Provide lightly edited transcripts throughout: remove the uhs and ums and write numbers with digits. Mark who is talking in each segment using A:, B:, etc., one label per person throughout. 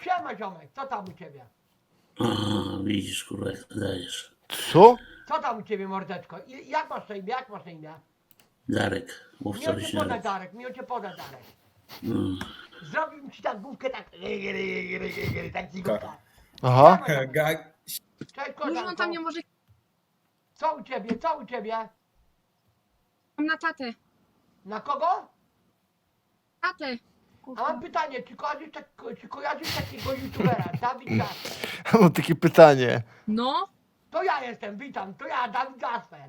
A: Siema ziomek, co tam u ciebie?
B: Widzisz, kurwa, jak to dajesz.
C: Co?
A: Co tam u ciebie mordeczko? Jak masz na imię? Jak masz na imię?
B: Darek, mów
A: Miło
B: sobie
A: cię
B: się
A: podać
B: Darek.
A: Darek, miło cię podać Darek.
B: Mm.
A: Zrobił ci tak główkę tak. Tak ci główka.
C: Aha.
A: Siema, ziomek. Cześć
D: Dużo on
A: koleżanko.
D: tam nie może...
A: Co u ciebie? Co u ciebie?
D: Mam na tatę.
A: Na kogo?
D: Tatę.
A: A mam pytanie, czy kojarzysz takiego youtubera, Dawid Jasper?
C: Mam takie pytanie.
D: No.
A: To ja jestem, witam, to ja, Dawid Jasper.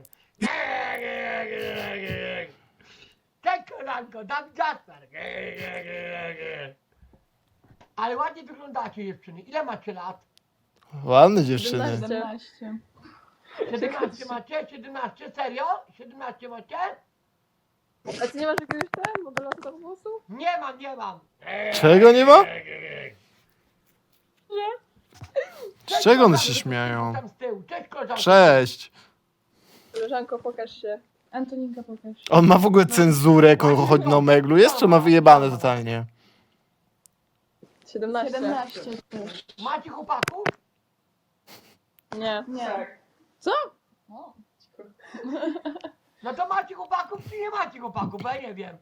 A: Cześć koleżanko, Dawid Jasper. Ale ładnie wyglądacie dziewczyny. Ile macie lat?
C: Ładne dziewczyny.
E: 17.
A: 17 macie? 17? Serio? 17 macie?
E: A ty nie masz jakiegoś modelowego głosu?
A: Nie mam, nie mam.
C: Czego nie ma?
E: Nie.
C: Z czego one się śmieją?
A: Tam z tyłu. Cześć koleżanko.
C: Cześć.
E: Koleżanko, pokaż się. Antoninka, pokaż.
C: On ma w ogóle cenzurę, jak on chodzi na omeglu. Jest, czy ma wyjebane totalnie?
E: 17.
F: 17 też.
A: Macie chłopaków?
E: Nie.
F: Nie.
E: Co?
A: No to macie chłopaków, czy nie macie chłopaków? Bo ja nie wiem.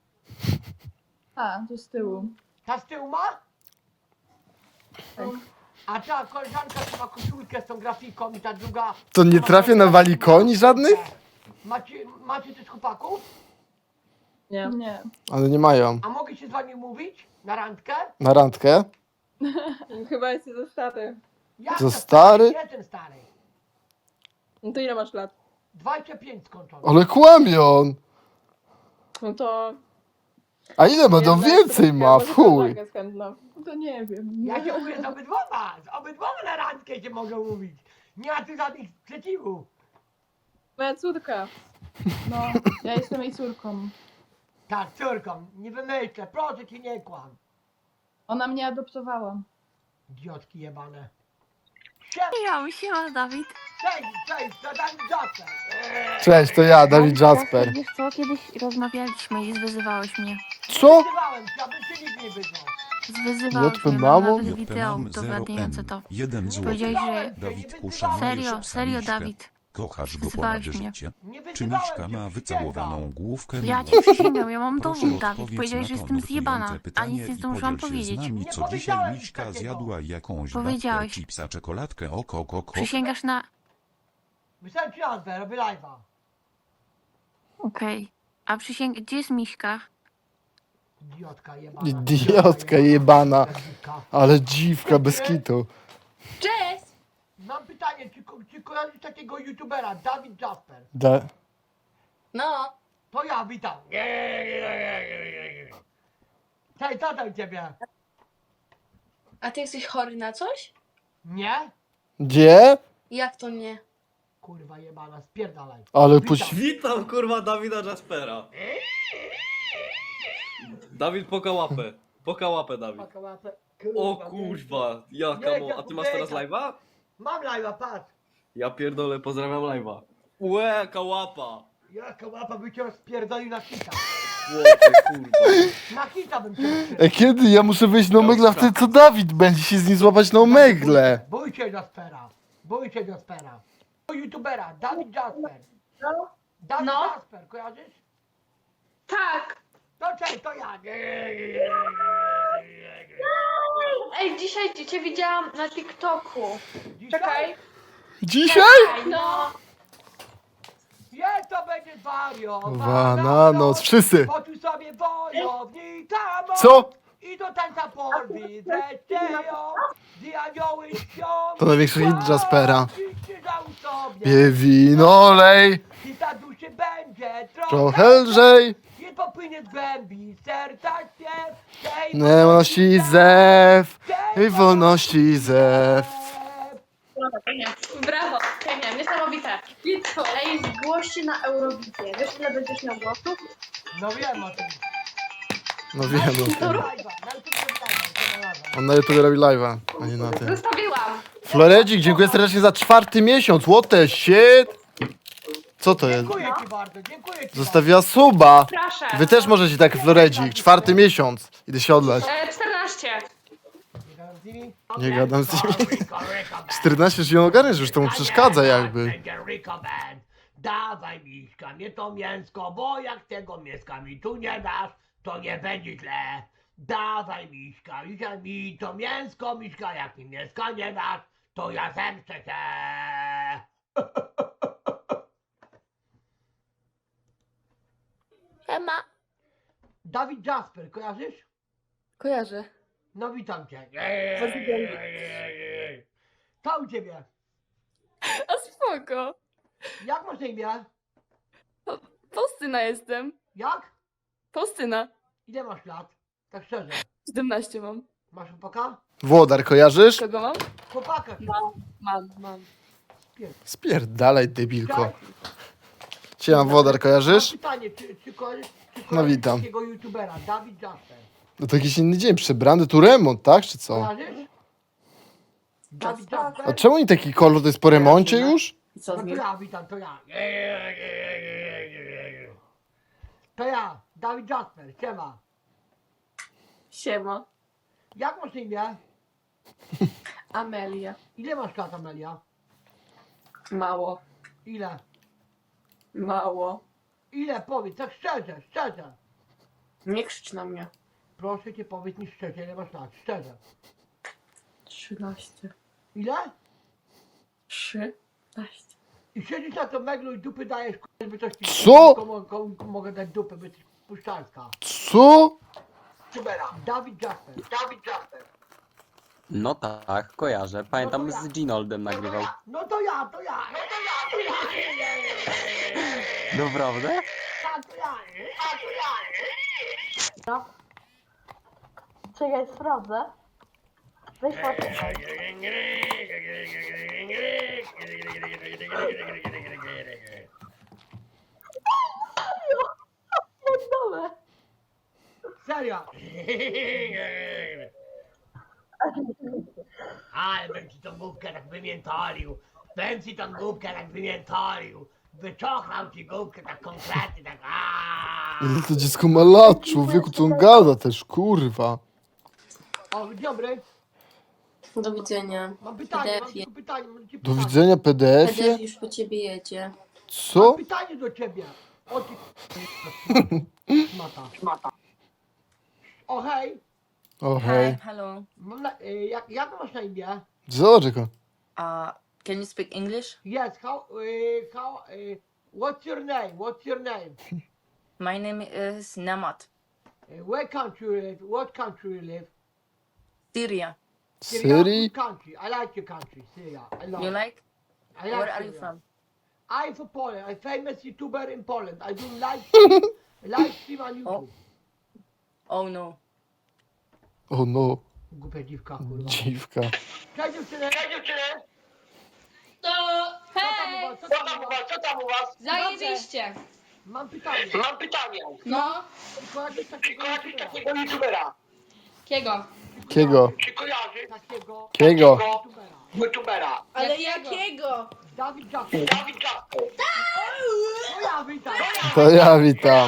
F: A, to z tyłu.
A: Ta z tyłu ma?
F: Tak.
A: A ta koleżanka, co ma koszulkę z tą grafiką i ta druga...
C: To nie trafia na walikoni żadnych?
A: Macie też chłopaków?
E: Nie.
F: Nie.
C: Ale nie mają.
A: A mogę się z wami mówić? Na randkę?
C: Na randkę?
E: Chyba jesteś za stary.
A: Jak
C: Za
A: to
C: stary?
A: Jestem stary.
E: No to ile masz lat?
A: 25 skończony.
C: Ale kłamie on.
E: No to...
C: A ile ma? No
E: Jedna
C: więcej
E: jest
C: ma,
E: może
C: w chuj.
E: koleżanka jest chętna.
F: To nie wiem.
A: Ja się mówię z obydwoma. Z obydwoma na randkę się mogę mówić. Nie ma tu żadnych sprzeciwów.
E: Moja córka.
F: No, ja jestem jej córką.
A: Tak, córką. Nie wymyślę. Proszę cię, nie kłam.
F: Ona mnie adoptowała.
A: Idiotki jebane.
G: Siema Dawid.
A: Cześć, to Dawid Jasper.
C: Cześć, to ja, Dawid Jasper.
G: Wiesz co, kiedyś rozmawialiśmy i zwyzywałeś mnie.
C: Co?
A: Wyzywałem cię, aby cię nikt nie wyzwał.
G: Zwyzywałeś
C: JP
G: mnie,
C: mamą?
G: mam nawet wideo udowadniające to.
H: 1 zł.
G: Powiedziałeś, że...
H: Dawid uszanujesz
G: Serio,
H: Miśkę.
G: Dawid.
H: Kochasz go
G: Wyzywałeś
H: ponad
G: mnie.
H: życie.
A: Nie
H: Czy
A: wyzywałem
H: Miśka
A: cię,
H: ma
A: przysięgam.
H: wycałowaną główkę?
G: Ja
H: miłość?
G: ci przysięgam, ja mam
H: Proszę
G: dowód, Dawid.
H: odpowiedź
G: Powiedziałeś, że
H: na to
G: jestem zjebana,
H: nurtujące
G: a
H: pytanie
G: nic nie
H: i
G: zdążyłam
H: podziel się z
G: powiedzieć.
H: nami,
A: Nie
H: co dzisiaj
A: powiedziałem nic
H: Miśka
A: takiego.
H: zjadła jakąś
G: Powiedziałeś.
H: babkę, chipsa, czekoladkę, oko.
G: Przysięgasz na...
A: Myślałem ci nazwę, robię live'a.
G: Okej. A Gdzie jest Miśka?
A: Idiotka jebana.
C: Idiotka jebana.
A: Idiotka.
C: Ale dziwka bez kitu.
D: Cześć!
A: Mam pytanie, czy kojarzysz takiego youtubera, Dawid Jasper?
D: No.
A: To ja, witam. Cześć, co tam u ciebie?
I: A ty jesteś chory na coś?
A: Nie?
C: Gdzie?
I: Jak to nie?
A: Kurwa jebana, spierdalaj.
C: Ale
A: Witam.
J: Witam kurwa Dawida Jaspera. Dawid poka łapę. Poka łapę Dawid.
A: Paka łapę.
J: O
A: Kurwa,
J: kurwa, jaka mo... A ty masz teraz live'a?
A: Mam live'a, patrz.
J: Ja pierdolę, pozdrawiam live'a. Łe, jaka łapa.
A: Jaka łapa by cię rozpierdolił na kita.
J: Łopie, kurwa.
A: Na kita bym cię rozpierdolił.
C: Kiedy? Ja muszę wejść na omegla wtedy, co Dawid będzie się z nim złapać na omegle.
A: Bój się Jaspera. Bój się Jaspera. Youtubera, Dawid Jasper. Dawid
I: No.
A: Jasper, kojarzysz?
I: Tak!
A: To cześć, to ja.
I: Ej, dzisiaj cię widziałam na TikToku.
A: Dzisiaj?
I: Czekaj.
C: Dzisiaj?
I: No.
A: Jest to będzie
C: Wariowana noc. Wszyscy.
A: Poczuj sobie wojownika moc.
C: Co?
A: I do tańca porwi zechcieją. Gdy anioły śpią.
C: To największy hit Jaspera.
A: I krzyżał sobie.
C: Pije wino, lej.
A: I ta duszy będzie
C: Trochę lżej.
A: I popłynie z głębi serca śpiew. Tej
C: Wolności zew. I wolności zew.
I: Brawo, Kenia, niesamowite. Ej, zgłoś się na Eurowizję. Wiesz, ile będziesz miał głosów?
A: No wiem o tym.
C: No wiem.
A: Na
C: o tym.
A: YouTube robi live'a.
C: On na YouTube robi live'a, a nie na tym.
I: Zostawiłam.
C: Floredzik, dziękuję serdecznie za 4. miesiąc. What the shit? Co to jest?
A: Dziękuję ci bardzo, dziękuję ci
C: Zostawiła suba.
I: Proszę.
C: Wy też możecie tak, Floredzik. 4. miesiąc. Idę się odlać.
I: 14.
A: Nie gadam z nimi?
C: Nie gadam z nimi.
A: Rico Band.
C: 14 już ją ogarniesz, już to mu przeszkadza jakby.
A: Będzie Rico Band. Dawaj miśka, mnie to mięsko, bo jak tego mięska mi tu nie dasz, to nie będzie źle. Dawaj miśka, dzisiaj mi to mięsko, miśka, jak mi mięska nie dasz, to ja zemszczę się.
D: Siema.
A: Dawid Jasper, kojarzysz?
F: Kojarzę.
A: No witam cię.
F: Pozdrowienia.
A: Co u ciebie?
F: A spoko.
A: Jak masz na imię?
F: Faustyna jestem.
A: Jak?
F: Faustyna.
A: Ile masz lat? Tak szczerze.
F: 17 mam.
A: Masz chłopaka?
C: Włodar, kojarzysz?
F: Kogo mam?
A: Chłopaka.
F: Mam.
C: Spierdalaj, debilko.
A: Cześć.
C: Siema, Włodar, kojarzysz?
A: Mam pytanie, czy kojarzysz
C: No witam.
A: takiego youtubera, Dawid Jasper?
C: No to jakiś inny dzień, przebrany, tu remont, tak, czy co?
A: Kojarzysz? Dawid Jasper?
C: A czemu nie taki kolor, to jest po remoncie już?
A: No to ja, witam, to ja. To ja, Dawid Jasper, siema.
F: Siema.
A: Jak masz na imię?
F: Amelia.
A: Ile masz lat, Amelia?
F: Mało.
A: Ile?
F: Mało.
A: Ile? Powiedz, tak szczerze, szczerze.
F: Nie krzycz na mnie.
A: Proszę cię, powiedz mi szczerze, ile masz lat, szczerze.
F: 13.
A: Ile?
F: 13.
A: I siedzisz na to meglu i dupy dajesz, żeby coś ci...
C: Co?
A: Komu mogę dać dupę, by jesteś puszczalska.
C: Co?
A: Youtubera, Dawid Jasper, Dawid Jasper.
J: No tak, kojarzę. Pamiętam, z Ginoldem nagrywał.
A: No to ja.
J: Naprawdę?
A: Tak, to ja.
E: Czekaj, sprawdzę. Weź patrz. Dole.
A: Serio. Ale bym ci tą główkę tak wymiętolił. Wyczochrał ci główkę tak konkretnie, tak
C: Ile to dziecko ma lat, człowieku, co on gada też, kurwa.
A: O, dzień dobry.
D: Do widzenia.
A: Mam pytanie, mam
D: PDF-ie.
A: tylko pytanie. Mam ci
C: Do
A: pytanie.
C: widzenia, PDF-ie?
D: już po ciebie jedzie.
C: Co?
A: Mam pytanie do ciebie. O ty... Szmata. O hej.
C: O hej.
D: Hello.
A: Mam jak masz na imię?
C: Zobacz go.
D: Can you speak English?
A: Yes, what's your name?
D: My name is Namat.
A: Where country you live? What country you live?
D: Syria.
C: Syrii?
A: Good country. I like your country, Syria. I love
D: You
A: it.
D: like?
A: I like
D: Where are you
A: Syria.
D: from?
A: I'm from Poland. I'm famous YouTuber in Poland. I do live stream on YouTube.
D: Oh no.
C: O no,
A: Głupia dziwka, kurwa.
C: dziwka.
A: Cześć dziewczyny!
I: To hej!
A: Co tam u was?
I: Zajebiście!
A: Mam pytanie.
I: No,
A: Tylko jakiegoś takiego YouTubera.
I: kiego?
C: Kiego?
A: Czy kojarzy takiego
C: Kiego?
A: YouTubera?
I: Ale jakiego?
A: Dawid Jasper. No ja witam.
C: To ja witam.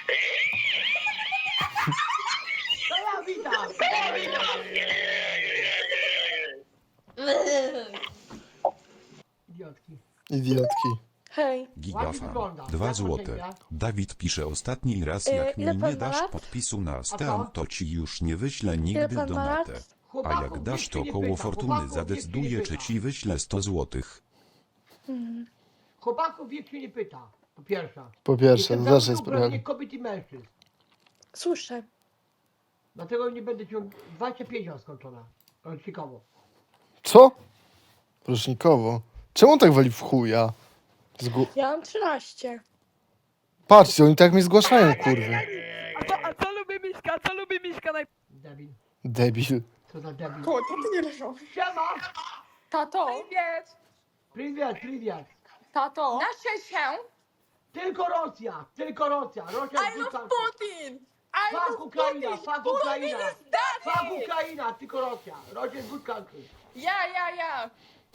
A: Idiotki.
C: Idiotki.
F: Hej.
A: Ładnie
H: Gigafan.
A: wygląda.
H: 2
A: Jak
H: złote.
A: ocenia?
H: Dawid pisze ostatni raz, jak mi
F: ile
H: nie
F: pan ma
H: dasz
F: lat?
H: podpisu na
A: co?
H: stan, to ci już nie wyślę
F: Ile
H: nigdy
F: pan ma lat?
H: donatę. A
A: Chłopaków
H: jak dasz,
A: nikt
H: to
A: się nie
H: koło
A: pyta.
H: fortuny
A: Chłopaków nikt się
H: zadecyduje,
A: nie
H: czy
A: pyta.
H: ci wyślę 100 złotych.
A: Chłopaków wiek się nie pyta. Po pierwsze.
C: Po pierwsze,
A: Jestem
C: zacznę
A: za
C: sprawę.
A: kobiet i mężczyzn.
F: Słyszę.
A: Dlatego nie będę ciął 25 lat skończona. Rocznikowo.
C: Co? Rocznikowo. Czemu on tak wali w chuja?
F: Ja mam 13.
C: Patrzcie, oni tak mnie zgłaszają, kurwy.
F: A co lubi Miśka
A: Debil.
C: Debil.
A: Co za debil.
F: to ty nie leżą.
A: Siema!
F: Tato.
A: Привет.
F: Tato. Nasze się.
A: Tylko Rosja. Rosja jest good country.
F: Putin.
A: Fuck Ukraina. Fuck Ukraina, tylko Rosja. Rosja jest good country.
F: Ja.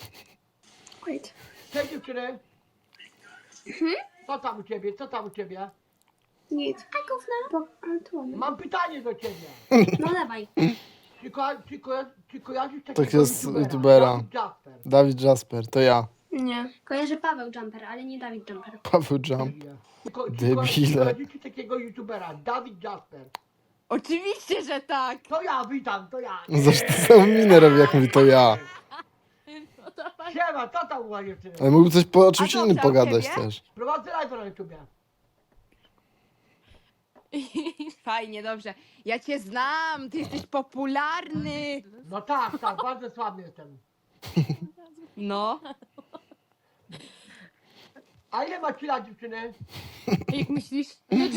A: Cześć dziewczyny. Co tam u ciebie?
I: Nic.
A: Mam pytanie do ciebie.
I: No dawaj.
A: Czy kojarzysz takiego
C: Tak jest
A: youtubera?
C: youtubera.
A: Dawid Jasper.
C: Dawid Jasper, to ja.
I: Nie. Kojarzę Paweł Jumper, ale nie Dawid Jumper.
C: Paweł Jump. Debile.
A: Kojarzycie takiego youtubera? Dawid Jasper.
F: Oczywiście, że tak.
A: To ja, witam, to ja.
C: Zresztą samą minę robi, jak mówi to ja.
A: Siema, co tam u was dziewczyny?
C: Ale mógłby coś po czymś
F: A
C: innym
F: dobrze, a u
C: pogadać
F: ciebie?
C: też.
A: Prowadzę live na YouTubie.
F: Fajnie, dobrze. Ja cię znam, ty jesteś popularny.
A: No tak, tak, bardzo sławny jestem.
F: No.
A: A ile macie lat dziewczyny?
F: Jak myślisz?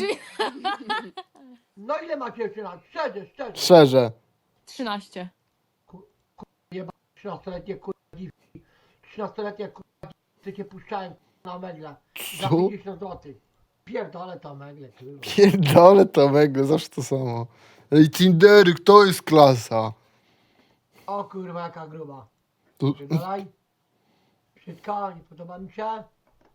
A: No ile macie jeszcze lat? Szczerze, szczerze.
C: Szczerze.
F: 13.
A: 13-letnie kurwa dziwki. 13-letnie kurwa dziwki cię puszczałem na megle. Za
C: Co?
A: 50 zł. Pierdolę to megle, kurwa.
C: Pierdolę to mego, zawsze to samo. Ej, Tindery, kto jest klasa?
A: O kurwa, jaka gruba.
C: Tu-
A: Dalej. Brzydka, nie podoba mi się.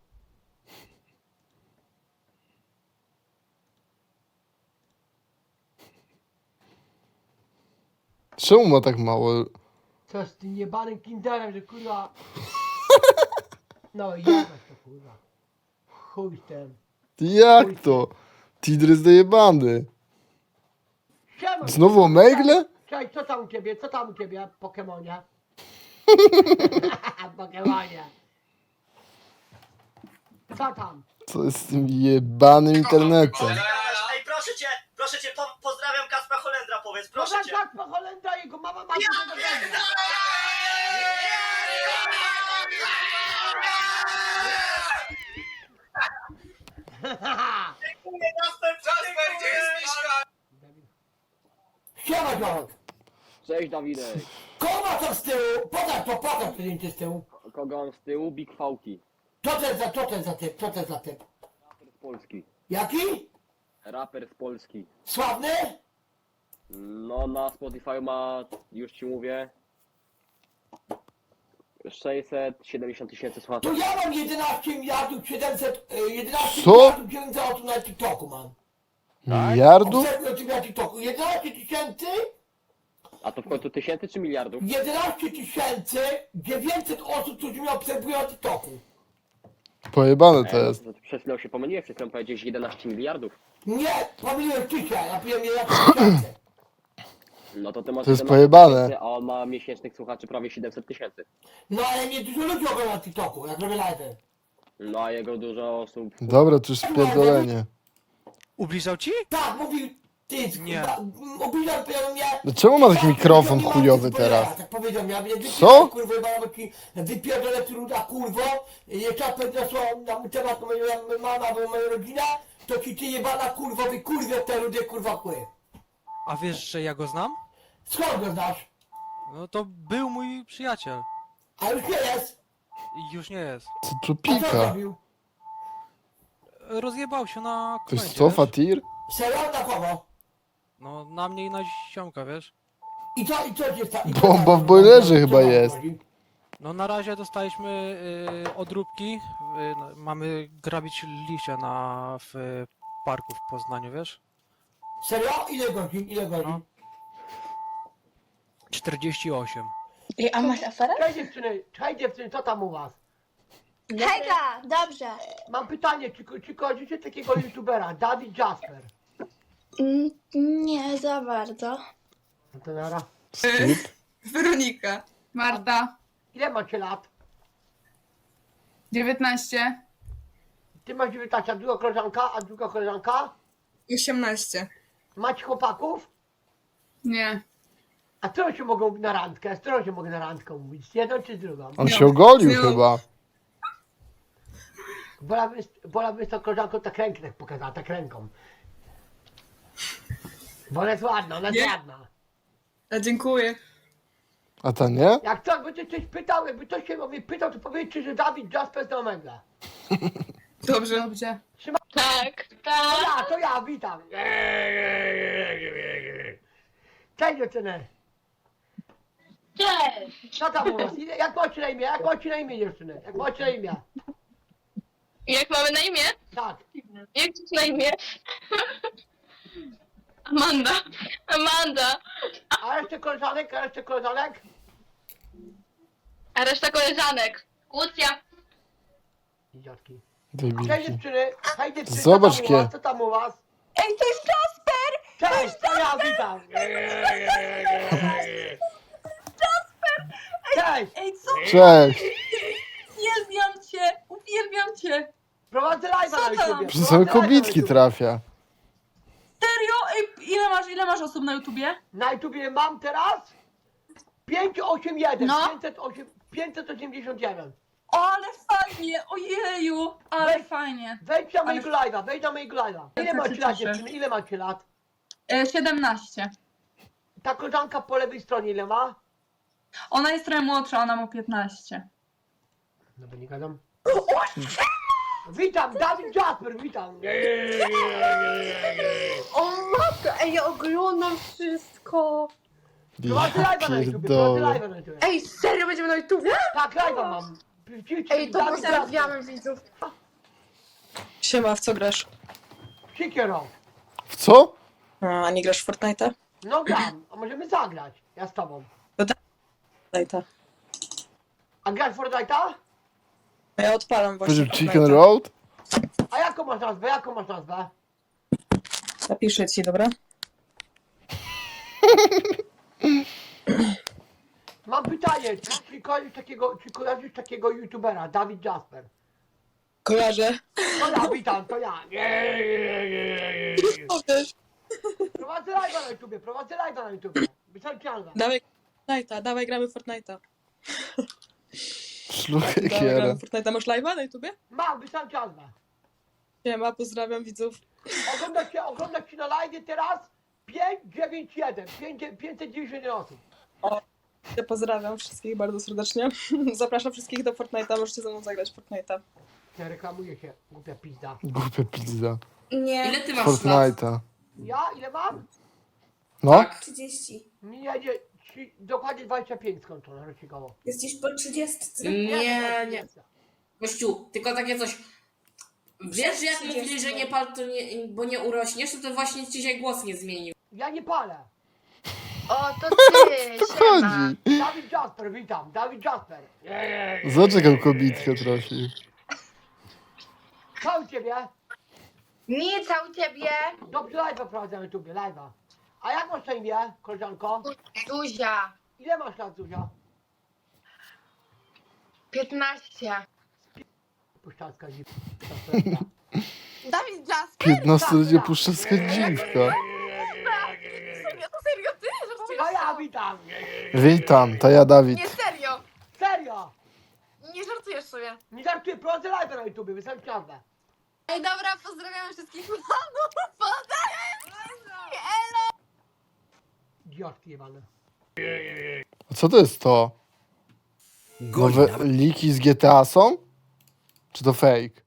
C: Czemu ma tak mało?
A: Co z tym jebanym kinderem, że kurwa... No jebać to kurwa. Chuj z tym.
C: Jak to? Tinder jest dojebany.
A: Siema,
C: Znowu o megle?
A: Cześć, co tam u ciebie? Co tam u ciebie, Pokemonie? Pokemonie. Co tam?
C: Co jest z tym jebanym internetem?
K: Ej, proszę cię, pozdrawiam Kacpra Holendra, powiedz, proszę cię.
A: Tak, po Holendra, jego mama ma tego węgla.
K: Kacper, gdzie jest Miśka?
A: Siema, George.
J: Cześć Dawidek.
A: Kogo ma to z tyłu? Pokaż zdjęcie z tyłu.
J: Kogo mam z tyłu? Big Fałki.
A: Co to jest za typ?
J: Raper z Polski.
A: Jaki?
J: Raper z Polski.
A: Sławny?
J: No na Spotify ma, już ci mówię, 670 tysięcy słuchaczy.
A: To ja mam 11 miliardów 700, 11
C: Co?
A: miliardów 900 osób na TikToku mam.
C: Miliardów?
A: Obserwuję ciebie na TikToku. 11 tysięcy,
J: A to w końcu tysięcy czy miliardów?
A: 11 900 osób, którzy mnie obserwują na TikToku.
C: Pojebane to jest.
J: No, przed chwilą się pomyliłem, przed chwilą powiedziałeś 11 miliardów.
A: Nie, pomyliłem dzisiaj, ja piłem 11 tysięcy.
J: No to ty masz
C: To jest
J: 11
C: pojebane.
J: tysięcy, a on ma miesięcznych słuchaczy prawie 700 tysięcy.
A: No ale nie dużo ludzi ogląda na TikToku, jak robię live.
J: No a jego dużo osób...
C: Dobra, to już spierdolenie.
K: Ubliżał ci?
A: Tak, mówił, ty,
K: Nie.
A: obliżał mnie.
C: No czemu ma taki mikrofon chujowy teraz?
A: Tak powiedział, ja mnie
C: Co?
A: kurwa, bo ci wypierdolę ty ruda kurwo, jeszcze podniosła na mój temat moja mama, bo moja rodzina, to ci ty jebana kurwo, wykurwię te rudy kurwa kły.
K: A wiesz, że ja go znam?
A: Skąd go znasz?
K: No to był mój przyjaciel.
A: A już nie jest.
K: I już nie jest.
C: Co tu
A: A co
C: pika?
A: zrobił?
K: Rozjebał się na
C: Ktoś
K: komendzie,
C: cofa
K: wiesz?
C: tir?
A: Serio? Na kogo?
K: No na mnie i na ziomka, wiesz?
A: I co się stało?
C: Bomba w boilerze chyba jest.
K: No na razie dostaliśmy odróbki. No, mamy grabić liście w parku w Poznaniu, wiesz?
A: Serio? Ile godzin? Ile godzin?
K: No. 48.
I: Ej, a masz aferę?
A: Cześć dziewczyny, co tam u was?
I: Hejka, dobrze.
A: Mam pytanie, czy kojarzycie takiego youtubera, Dawid Jasper?
I: Nie za bardzo.
A: No to nara.
C: Skip?
F: Weronika. Marta.
A: Ile macie lat?
F: 19.
A: Ty masz 19, a druga koleżanka?
F: 18.
A: Macie chłopaków?
F: Nie.
A: A którą się mogą na randkę? Z którą się mogę na randkę mówić? Z jedną czy z drugą?
C: On się ogolił
F: No.
C: chyba.
A: Wolałbym z tą koleżanką tak rękę tak pokazała, tak ręką. Bo ona jest ładna, ona jest
F: Nie?
A: ładna.
F: A dziękuję.
C: A ta nie?
A: Jak ktoś będzie coś pytał, jakby ktoś się o mnie pytał, to powiedzcie, że Dawid Jasper z Omega.
F: Dobrze. Dobrze.
I: Tak,
A: To ja, witam. Cześć dziewczyny.
I: Cześć.
A: Co tam u was? Jak macie na imię? Jak macie na imię dziewczyny? Jak macie na imię?
I: Jak mamy na imię?
A: Tak.
I: Jak to na imię? Amanda. Amanda.
A: A jeszcze koleżanek, a jeszcze koleżanek?
I: A reszta koleżanek. Kłócja.
A: Idiotki.
C: Debilki.
A: Cześć dziewczyny, hej dziewczyny,
C: Zobacz,
A: co tam u was?
C: kie-
A: Co tam u was?
F: Ej, to jest Jasper!
A: Cześć, to ja witam! Cześć!
D: Ej, co?
C: Cześć!
D: Uwielbiam cię!
A: Prowadzę live'a na
D: Co tam?
A: YouTubie.
C: Przez same
A: prowadzę live'a na
C: kobitki
A: YouTubie.
C: trafia.
D: Serio? Ej, ile masz osób na YouTubie?
A: Na YouTubie mam teraz 581,
D: No.
A: 589.
D: O, ale fajnie! Ojeju! Ale
A: Weź-
D: fajnie!
A: Wejdź na
D: Ale-
A: mojego live'a, wejdź na mojego live'a. Ile
D: Ja
A: macie
D: się
A: lat
D: cieszę.
A: dziewczyny, ile macie lat?
D: 17.
A: Ta koleżanka po lewej stronie ile ma?
D: Ona jest trochę młodsza, ona ma 15.
A: No bo nie gadam. Witam, Dawid Jasper, witam.
E: O matko, ej, ja oglądam wszystko.
A: Prowadzę
C: Ja
A: live'a na YouTubie, prowadzę
C: pierdolę.
A: live'a na YouTubie.
E: Ej, serio, będziemy na YouTubie?
A: Tak, live'a mam.
E: Ej, to
A: Dawid Jasper.
E: pozdrawiamy widzów.
L: Siema, w co grasz?
A: Sikiero.
C: W co?
L: A nie grasz w Fortnite'a?
A: No gram, a możemy zagrać. Ja z tobą.
L: Fortnite'a.
A: A grasz w Fortnite'a?
L: Ja odpalam właśnie
C: Powiedział Chicken
L: Fortnite'a.
C: Road?
A: A jaką masz nazwę, jaką masz nazwę?
L: Napiszę ci, dobra?
A: Mam pytanie, czy kojarzysz takiego youtubera, Dawid Jasper?
L: Kojarzę.
A: To ja, witam, to ja. Prowadzę live'a na YouTubie, prowadzę live'a na YouTubie. Wystarczy nazwę.
L: Dawaj Fortnite'a, dawaj gramy w Fortnite'a.
C: Szluchę
L: Dawaj
C: kiera.
L: gramy w Fortnite'a. Masz live'a na YouTubie?
A: Mam, wystarczy nazwę.
L: Siema, pozdrawiam widzów.
A: Oglądać się na live teraz 591, 591 osób.
L: Ja pozdrawiam wszystkich bardzo serdecznie. Zapraszam wszystkich do Fortnite'a, możecie ze mną zagrać w Fortnite'a.
A: Nie reklamuje się, głupia pizda.
C: Głupia pizda.
E: Nie.
D: Ile ty masz
C: Fortnite'a.
A: Ja ile mam?
C: No?
E: 30.
A: Mi jedzie dokładnie 25 skończone rocznicowo.
E: Jesteś po 30.
A: Nie.
D: Gościu, tylko takie coś. Wiesz, jak mówili, że nie pal, to nie, bo nie urośniesz, to właśnie ci się głos nie zmienił.
A: Ja nie palę.
E: O, to ty,
C: To chodzi.
A: Dawid Jasper, witam, Dawid Jasper.
C: Zaczekał kobitkę trochę.
A: Co u ciebie?
E: Nic, a u ciebie?
A: Dobrze live'a prowadzę na YouTubie, live'a. A jak masz na imię, koleżanko?
E: Zuzia.
A: Ile masz lat, Zuzia?
E: 15.
A: Puszczalska dziwka.
F: Dawid Jasper?
C: 15-letnia puszczalska dziwka.
F: To serio ty?
A: No ja witam.
C: Witam, to ja Dawid.
F: Nie, serio!
A: Serio.
F: Nie żartujesz sobie.
A: Nie żartuję, prowadzę live'a na YouTubie, wystarczy nazwę.
F: Ej, dobra, pozdrawiam wszystkich fanów! Pozdrawiam wszystkich! Elo!
A: Idiotki jebane.
C: A co to jest to? Nowe liki z GTA są? Czy to fake?